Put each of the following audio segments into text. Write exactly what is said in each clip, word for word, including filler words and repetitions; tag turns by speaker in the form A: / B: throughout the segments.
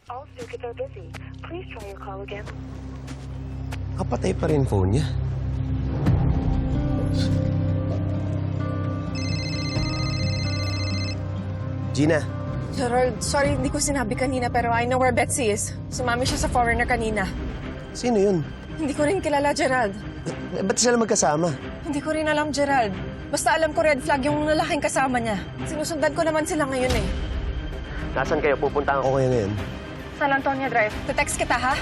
A: All circuits are busy. Please try your call again.
B: Kapatay pa rin phone niya. Gina,
C: Gerald, sorry hindi ko sinabi kanina pero I know where Betsy is. Sumami siya sa foreigner kanina.
B: sino yun?
C: Hindi ko rin kilala, Gerald.
B: Eh, ba't sila magkasama?
C: Hindi ko rin alam, Gerald. Basta alam ko red flag yung lalaking kasama niya. Sinusundan ko naman sila ngayon eh.
B: Nasaan kayo? Pupuntahan ko kayo ngayon.
C: San Antonio Drive. Te-text kita, ha?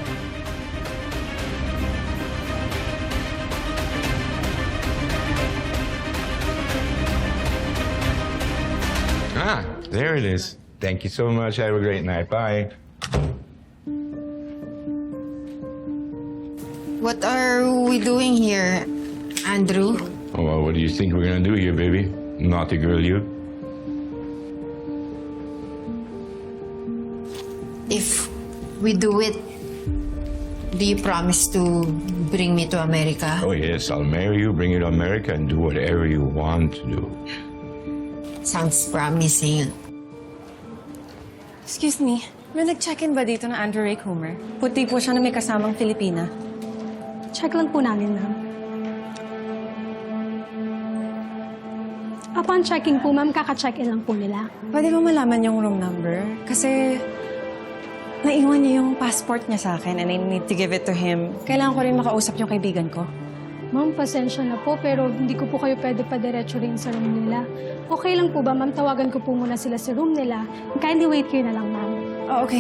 D: Ah, there it is. Thank you so much. Have a great night. Bye.
E: What are we doing here, Andrew?
D: Oh, well, what do you think we're gonna do here, baby? Naughty girl, you?
E: If we do it, do you promise to bring me to America?
D: Oh, yes. I'll marry you, bring you to America, and do whatever you want to do.
E: Sounds promising.
C: Excuse me, may nag-check-in ba dito na Andrew Ray Coomer? Puti po siya na may kasamang Filipina.
F: Check lang po namin, ma'am. Upon checking po, ma'am, kaka-check-in lang po nila.
C: Pwede ba malaman yung room number? Kasi naiwan niya yung passport niya sa akin and I need to give it to him. Kailangan ko rin makausap yung kaibigan ko.
F: Ma'am, pasensya na po, pero hindi ko po kayo pwede pa-diretso rin sa room nila. Okay lang po ba, ma'am? Tawagan ko po muna sila sa room nila. Kindly wait kayo na lang, ma'am.
C: Oh, okay.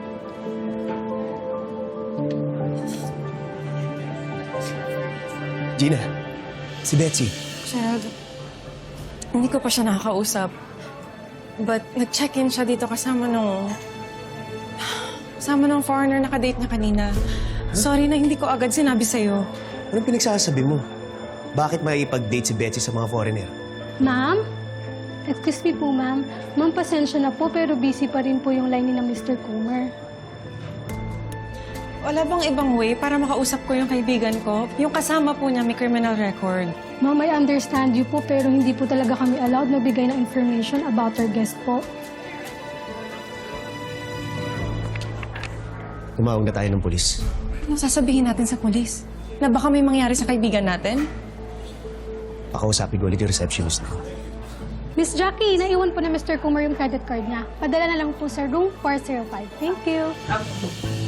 B: Gina, si Betsy.
C: Gerald, hindi ko pa siya nakakausap. But nag-check-in siya dito kasama nung... Kasama nung foreigner na kadate niya kanina. Sorry na hindi ko agad sinabi sa'yo.
B: Anong pinagsasabi mo? Bakit maipag-date si Betsy sa mga foreigner?
F: Ma'am? Excuse me po, ma'am. Ma'am, pasensya na po, pero busy pa rin po yung line ni na Mister Coomer.
C: Wala bang ibang way para makausap ko yung kaibigan ko? Yung kasama po niya may criminal record.
F: Ma'am, I understand you po, pero hindi po talaga kami allowed magbigay ng information about our guest po.
B: Tumawag na tayo ng polis.
C: Ano sasabihin natin sa polis? Na baka may mangyari sa kaibigan natin?
B: Pakausapin ko ulit yung receptionist na.
F: Miss Jackie, naiwan po na Mister Coomer yung credit card niya. Padala na lang po sa room four oh five. Thank you.